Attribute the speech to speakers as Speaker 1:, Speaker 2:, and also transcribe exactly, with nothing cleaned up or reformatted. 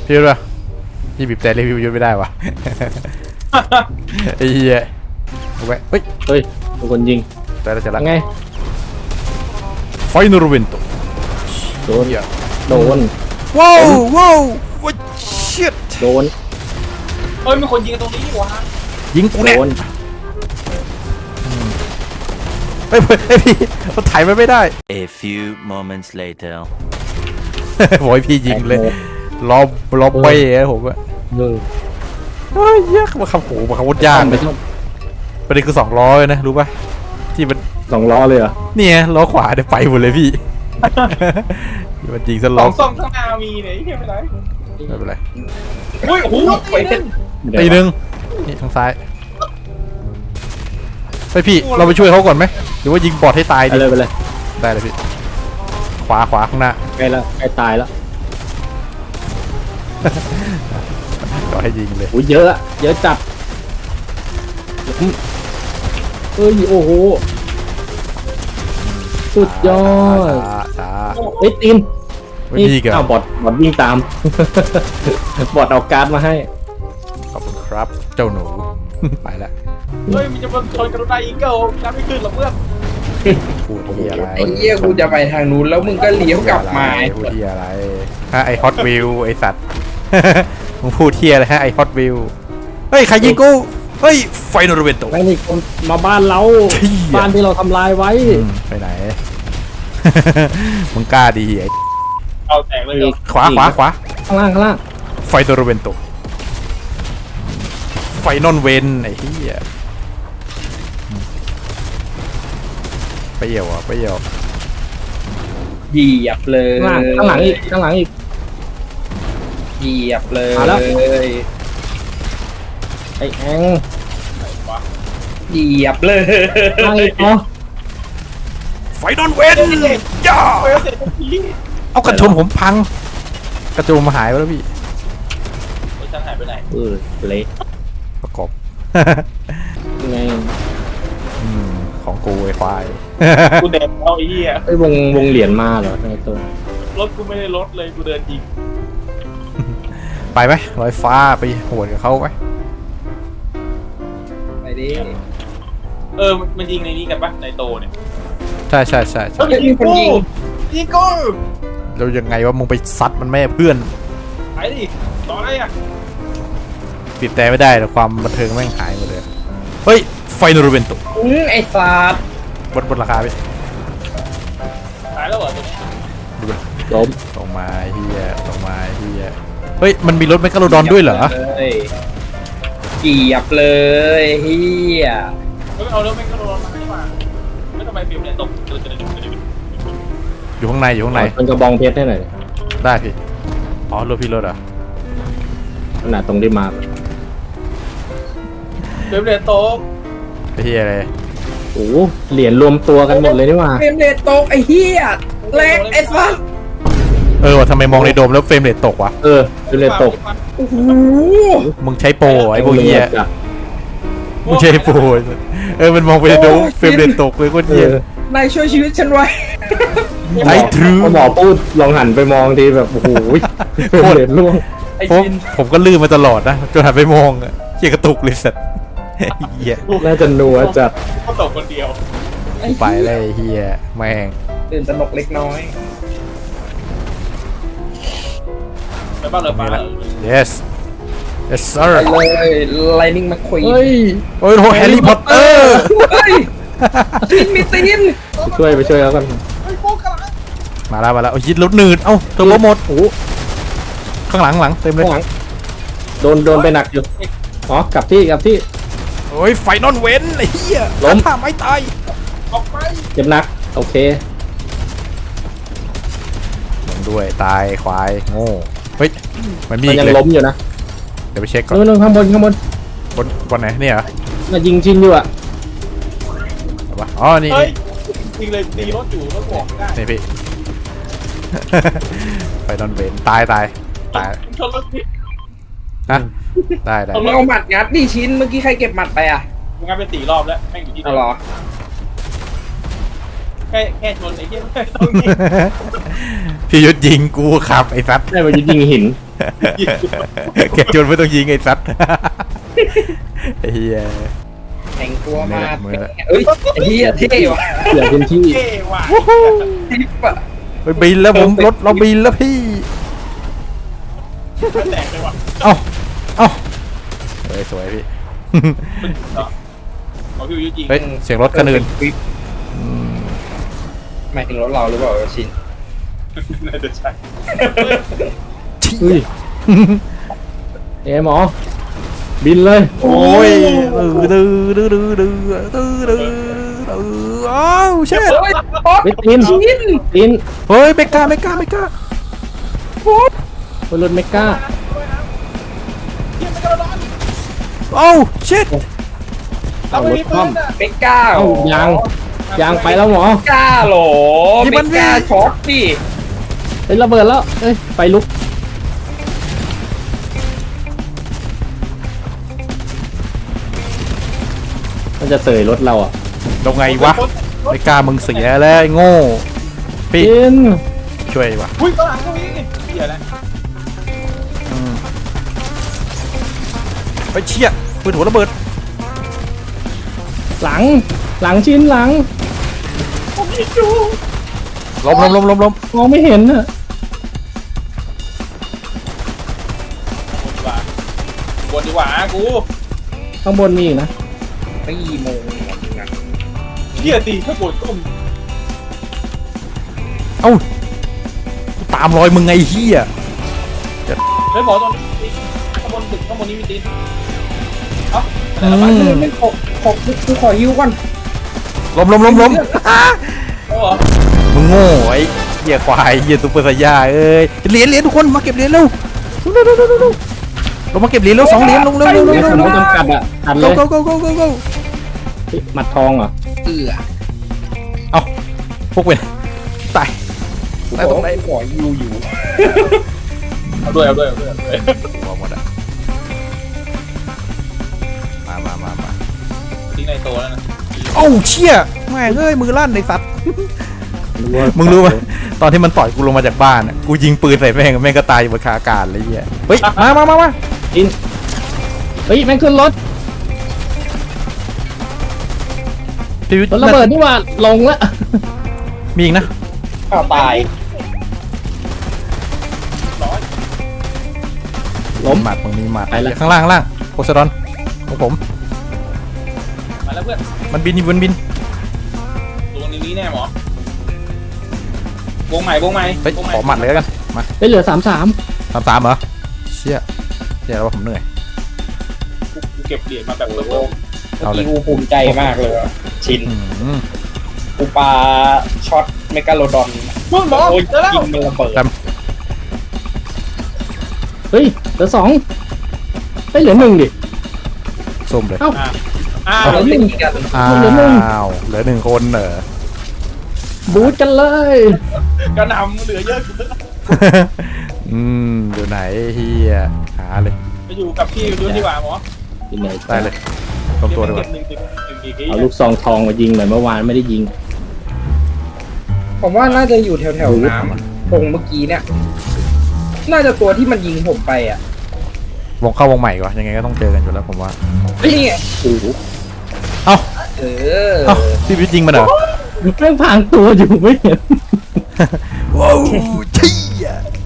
Speaker 1: พี่รู้ป่ะพี่บีบแต่รีวิวยุดไม่ได้วะไอ้เหี้ยเอาไว้เฮ้ย
Speaker 2: เฮ้ยทุกคนยิง
Speaker 1: แต่ละจะละ
Speaker 2: ไง
Speaker 1: ไฟนอร์เวนโต
Speaker 2: โดนโดน
Speaker 1: ว้าวว้าวว้าวชิต
Speaker 2: โดน
Speaker 3: เฮ้ยมีคนยิงตรงนี้วะ
Speaker 1: ยิงกูเนี่ยเฮ้ยเฮ้ยพี่เขาถ่ายมันไม่ได้
Speaker 4: A few moments later
Speaker 1: โอ้ยพี่ยิงเลยล้อมล้อมไปเองผมอะเฮ้ยเยอะมาขับโหมาขับรถยากเลยประเด็นคือสองล้อเลยนะรู้ป่ะที่มัน
Speaker 2: สองล้อเลยเหรอ
Speaker 1: เนี่ยล้อขวาเดี๋ยวไปหมดเลยพี่มันยิงซะล้อ
Speaker 3: สองซ่อมข้างหน้ามีเนี่ยไม่เป็นไร
Speaker 1: ไม่เป็นไร
Speaker 3: อุ้ยโอ้โหไปเป็น
Speaker 1: ตีหนึ่งนี่ทางซ้ายไปพี่เราไปช่วยเขาก่อนไหมหรือว่ายิงบอดให้ตาย
Speaker 2: ดีไปเลย
Speaker 1: ได้เลยพี่ขวาขวาข้างหน้า
Speaker 2: ใกล้แล้วใกล้ตายแล้ว
Speaker 1: ก็ให้ยิงเลย
Speaker 2: โอ้ยเยอะเยอะจัดเฮ้ยโอ้โหสุดยอด
Speaker 1: ช้า
Speaker 2: เฮ้ยตีน
Speaker 1: นี่อ้
Speaker 2: าวบอดบอดวิ่งตามบอดเอาการ์ดมาให้
Speaker 1: ขอบคุณครับเจ้าหนูไปแล้ว
Speaker 3: เฮ้ยมันจะมาชนกระไรอีกเกิลน้ำไม่ขึ้นหรอกเพื่อน
Speaker 1: พูดที่อะไร
Speaker 5: ไอ้เหี้ยกูจะไปทางนู้นแล้วมึงก็เลี้ยวกลับมา
Speaker 1: พูดที่อะไรฮะไอฮอตวิวไอสัตว์มึงพูดที่อะไรฮะไอฮอตวิวเฮ้ยใครยิงกูเฮ้ยไฟนอร์เวนโต
Speaker 2: ไม่นี่คนมาบ้านเราบ้านที่เราทำลายไว้
Speaker 1: ไปไหนมึงกล้าดีไอ
Speaker 3: เอาแตกเลย
Speaker 1: ขวาขวาขวา
Speaker 2: ข้างล่างข้างล่าง
Speaker 1: ไฟนอร์เวนโตไฟนอนเวนไอ้เหี้ยไปเหี่ยวอ่ะไปเหี่ยว
Speaker 5: เหยียบเลย
Speaker 2: ข้างหลังอีกข้างหลังอีก
Speaker 5: เหยียบเลย
Speaker 2: ไอ้แอง
Speaker 5: เหยียบเลย
Speaker 1: ไฟนอนเวนย่าเอากระชนผมพังกระโจมมาหายไปแล้วพี่
Speaker 3: ฉันหายไปไหน
Speaker 2: เออเละ
Speaker 1: ประกอบ
Speaker 2: ไง
Speaker 1: ของกูไอ้ควาย
Speaker 3: กูเดินเอาไอ้เหี้ย
Speaker 2: ไอ้วงวงเหรียญมาเหรอในตัว
Speaker 3: รถกูไม่ได้รถเลยกูเดินยิง
Speaker 1: ไปไหมลอยฟ้าไปโหดกับเขาไหม
Speaker 5: ไปดิ
Speaker 3: เออมันยิงในนี้กันปะในโตเนี่ย
Speaker 1: ใช่ใช่ใช่ใช่
Speaker 5: มีคนยิง
Speaker 3: ยิงกู
Speaker 1: เรายังไงว่ามึงไปซัดมันแม่เพื่อน
Speaker 3: ไปดิต่ออะไรอ่ะ
Speaker 1: ปิดแต่ไม่ได้แต่ความบันเทิงแม่งหายหมดเลยเฮ้ยไฟนอร์เวนโต
Speaker 5: อืมไอ้สัตว์
Speaker 1: บนบนราคาไป
Speaker 3: ตายแล้วเหรอตัวนี้
Speaker 2: ล้ม
Speaker 1: ตรงมาเฮียตรงมาเฮียเฮ้ยมันมีรถแมคคาโรดอนด้วยเหรอ
Speaker 5: เหยียบเลยเฮีย
Speaker 3: ไม่เอารถแมคคาโรดอนมาให้มาไม่ทำไมฟิล์มเนี่ยตก
Speaker 1: อยู่ข้างในอยู่ข้างใน
Speaker 2: มันกระบองเพชรได้หน่อย
Speaker 1: ได้พี่อ๋อรถพี่รถอ่ะ
Speaker 2: ขนาดตรงที่มา
Speaker 3: ฟิล์มเนี่ยตก
Speaker 1: ไอ้เฮียอะไร
Speaker 2: โอ้เหรียญรวมตัวกันหมดเลยนี่ว่า
Speaker 5: เฟรมเรทตกไอ้เฮียแรงไอ้สัส
Speaker 1: เออว่าทำไมมองในโดมแล้วเฟรมเรทตกวะ
Speaker 2: เออเฟรมเรทตก
Speaker 5: โอ้โห
Speaker 1: มึงใช้โปรไอ้พวกเฮียมึงใช้โปรเออมันมองไปในโดมเฟรมเรทตกเลยโคตรเฮีย
Speaker 5: นายช่วยชีวิตฉันไว้
Speaker 1: ไอ้ทรู
Speaker 2: หมอพูดลองหันไปมองทีแบบโอ้โหเฟรมเรทล่วง
Speaker 1: ผมผมก็ลื่นมาตลอดนะจนหันไปมองอะเฮียกระตุกเลยสัตว์เฮีย
Speaker 2: น่าจะนัวจัด
Speaker 3: เขาตกคนเดียว
Speaker 1: ไปเลยเฮียแม่ง
Speaker 5: ตื่นตระหนกเล็กน้อย
Speaker 3: ไปบ้านเลยไปแล้ว
Speaker 1: yes yes sir
Speaker 5: เลย Lightning McQueen
Speaker 2: เฮ้ย
Speaker 1: โอ้ยโหแฮร์รี่พอตเตอร์
Speaker 5: เฮ้ยตีนมีตีน
Speaker 2: ไปช่วยไปช่วยแล้วกัน
Speaker 1: มาแล้วมาแล้วยิดรถหนืดเอ้าตัวรถหมดโอ้ข้างหลังหลังเต็มเลย
Speaker 2: โดนโดนไปหนักอยู่อ๋อกลับที่กลับที่
Speaker 1: โอ้ยไฟนอนเว้นไอ้เหี้ย
Speaker 2: ล้ม
Speaker 1: ท่าไม่ตาย
Speaker 3: ออกไป
Speaker 2: เจ็บหนักโอเค
Speaker 1: ลงด้วยตายควายโง่เฮ้ยมันมี
Speaker 2: ยังล้มอยู่นะ
Speaker 1: เดี๋ยวไปเช็คก่อน
Speaker 2: นู่นข้างบนข้างบน
Speaker 1: บนบนไหนเนี่ยเหรอ
Speaker 2: มายิงชินอยู่อ่ะ
Speaker 1: อ๋อนี่
Speaker 3: ยิงเลยตีรถอยู่รถบอกได้
Speaker 1: นี่พี่ไฟนอนเว้นตายตายตาย
Speaker 3: ชนรถพี่
Speaker 1: นะได้ได้
Speaker 5: มึงเอาหมัดงัดดิชิ้นเมื่อกี้ใครเก็บหมัดไปอ่ะ
Speaker 3: มึงงัดเป็นสี่รอบแล้วแม่งอยู่ที่
Speaker 5: อ๋อเหรอ
Speaker 3: แค่แค่ชนไอ้เหี้ยไม่ต้องยิง
Speaker 1: พี่ยุทธยิงกูขับไอ้สัตว์
Speaker 2: ได้มายิงหิน
Speaker 1: แกชวนไม่ต้องยิงไอ้สัตว์ไอ้เฮีย
Speaker 5: แต่งตัวมา
Speaker 1: มือละ
Speaker 5: เอ้ยไอ้เหี้ยเท่ว่ะ
Speaker 2: เสียพื้นที่
Speaker 3: เท่ว่ะ
Speaker 5: ทิปอะ
Speaker 1: ไปบินแล้วผมรถเราบินแล้วพี่
Speaker 3: ไม่แตกเลยว่ะ
Speaker 1: เอ้าเอ้าเฮ้ยสวยพี่
Speaker 3: มันต่อเอาพี่ยุทธยิง
Speaker 1: เฮ้ยเสียงรถคันอื่น
Speaker 5: หมายถึงรถเราหรือเปล่าชิน
Speaker 3: น่าจะใช่
Speaker 2: เฮ้ยเอ้หมอ บินเลย
Speaker 1: โอ้ยดื้อดื้อดื้อดื้อดื้อดื้อดื้อดื้ออ้าวเช่ด
Speaker 5: เฮ้ย
Speaker 2: ไปตีนตีน
Speaker 1: เฮ้ยไม่กล้าไม่กล้าไม่กล้า
Speaker 2: บนรถเมก้า
Speaker 3: เหี้ยไม่กระโดด
Speaker 1: โอ้เช็ด
Speaker 3: เราไม่มีปืนอ่ะ
Speaker 5: ไม่กล้า
Speaker 2: เอ้า
Speaker 5: หรอย
Speaker 2: างยางไปแล้วหมอ
Speaker 5: ไม่กล้าหรอไม่กล้าช็อตดิ
Speaker 2: เฮ้ยระเบิดแล้วเอ้ยไฟลุกมันจะเสยรถเราอ่ะ
Speaker 1: ลงไงวะไม่กล้ามึงเสียแล้วไอ้โง่พี่
Speaker 2: บิน
Speaker 1: ช่วยวะ
Speaker 3: อุ้ยข้างหลังก็มีเหี้ยแล้ว
Speaker 1: อืมไปเชี่ยปืนหัวระเบิด
Speaker 2: หลังหลังชิ้นหลัง
Speaker 3: ผมยิงอยู่
Speaker 1: ล้มล้มล้มล้มล้ม
Speaker 2: มองไม่เห็นอ่ะ
Speaker 3: วนดีกว่าวนดีกว่ากู
Speaker 2: ข้างบนมีอีกนะ
Speaker 5: ไม่โมงนะ
Speaker 3: เหี้ยตีถ้าบนก้ม
Speaker 1: เอ้ากูตามรอยมึงไงเฮีย
Speaker 3: เฮ้ยหมอตรงนี้ข้างบนตึกข้างบนนี้มีตีนเอ้า
Speaker 2: อื
Speaker 3: อะไร
Speaker 2: ม
Speaker 3: วะ
Speaker 5: ไม่ขอขอกูขอยิ้วก่อน
Speaker 1: ล้มล้มล้มล้ม
Speaker 3: เอาเหรอ
Speaker 1: มึงโง่ไอ้เหี้ยควายเหี้ยซุปเปอร์ไซย่าเอ้ยเหรียญเหรียญทุกคนมาเก็บเหรียญเร็วเร็วเร็วเร็วเร็วเร็วลงมาเก็บเหรียญเร็วสองเหรียญลงเร็วเร็วเร็ว
Speaker 2: เดี๋ยว
Speaker 1: เร็ว
Speaker 2: ผม
Speaker 1: เร็ว
Speaker 2: ต้องจำกัดอ่ะตัดเล
Speaker 1: go
Speaker 2: ย
Speaker 1: go go go go go
Speaker 2: เฮ้ยหมัดทองเหรอ
Speaker 5: เอือ
Speaker 1: เอาพวกเวนตายตายตรงไหน
Speaker 5: ขอยิ้วอยู่
Speaker 3: เอาด้วยเอาด้วยเอาด้วยเอาด้วย
Speaker 1: หัวหมดอะมามามามา
Speaker 3: ทิ้งในโตแล้วนะ
Speaker 1: เอ้าเชี่ยแม่งเอ้ยมือลั่นไอ้สัตว์มึงรู้ไหมตอนที่มันต่อยกูลงมาจากบ้านอะกูยิงปืนใส่แม่งแม่งก็ตายอยู่บนคาอากาศเลยเหี้ยเฮ้ยมามามามา
Speaker 2: อินเฮ้ยแม่งขึ้นรถ
Speaker 1: พี่วิทย์
Speaker 2: รถระเบิดนี่หว่าลงละ
Speaker 1: มีอีกนะ
Speaker 5: ข้าวตาย
Speaker 3: ร้อย
Speaker 2: ล้ม
Speaker 1: หมัดมึงมีหมัด
Speaker 2: ไปละ
Speaker 1: ข้างล่างข้างล่างโพไซดอนของผม
Speaker 3: มาแล้วเพื่อน
Speaker 1: มันบินอยู่บนบิน
Speaker 3: ตรงนี้แน่หมอวงใหม่วงใหม่
Speaker 1: เฮ้ยว
Speaker 3: งใหม่
Speaker 1: ขอหมัดเลยแล้วกันมา
Speaker 2: เฮ้ยเหลือสามสาม
Speaker 1: สามสามเหรอเชี่ยเชี่ยแล้วว่าผมเหนื่อย
Speaker 3: กูเก็บเหรียญมาแบบเพิ่ม
Speaker 5: เมื่อ
Speaker 1: เอาเลย
Speaker 5: กี้กูภูมิใจมากเลยว่ะชิน
Speaker 1: อืม
Speaker 5: กูปาช็อตเมกาโลดอน
Speaker 3: เพิ่มหมอ
Speaker 5: โอ้ย
Speaker 3: เจอแล้ว
Speaker 5: ยิงมันระเบิด
Speaker 1: จ
Speaker 2: เฮ้ยเหลือสองเฮ้ยเหลือหนึ่งดิ
Speaker 1: ำส้มเลย
Speaker 2: เอ้า
Speaker 3: อ่าอ่า
Speaker 5: เอาเราเล่นกัน
Speaker 1: อ้า
Speaker 2: เหลือหนึ่ง
Speaker 1: วเหลือหนึ่งคนเหรอ
Speaker 2: บูทกันเลย
Speaker 3: กระหนำเหลือเยอะเกิน
Speaker 1: อืมอยู่ไหนเฮียหาเลย
Speaker 3: ไปอยู่กับพี่ดูดีกว่าหมอ
Speaker 2: ที่ไหน
Speaker 1: ได้เลยตรงตัวดีก
Speaker 3: เก็
Speaker 1: ว่า
Speaker 3: บหนึ่งหนึ่งหนึ่งกี่ที
Speaker 2: เอาลูกซองทองมายิงหน่อยเมื่อวานไม่ได้ยิง
Speaker 5: ผมว่าน่าจะอยู่แถวๆน้ำอะตรงเมื่อกี้เนี่ย น่าจะตัวที่มันยิงผมไปอ่ะ
Speaker 1: วงเข้าวงใหม่ก่อนยังไงก็ต้องเจอกันอยู่แล้วผมว่า
Speaker 5: นี่ไง
Speaker 2: โอ้โห
Speaker 1: เอ้า
Speaker 5: เออ
Speaker 1: เอ้าพี่วิทย์ยิงมันเหรอ
Speaker 2: แม่งพรางตัวอยู่ไม่เห็น
Speaker 1: ว้าวเชี่ย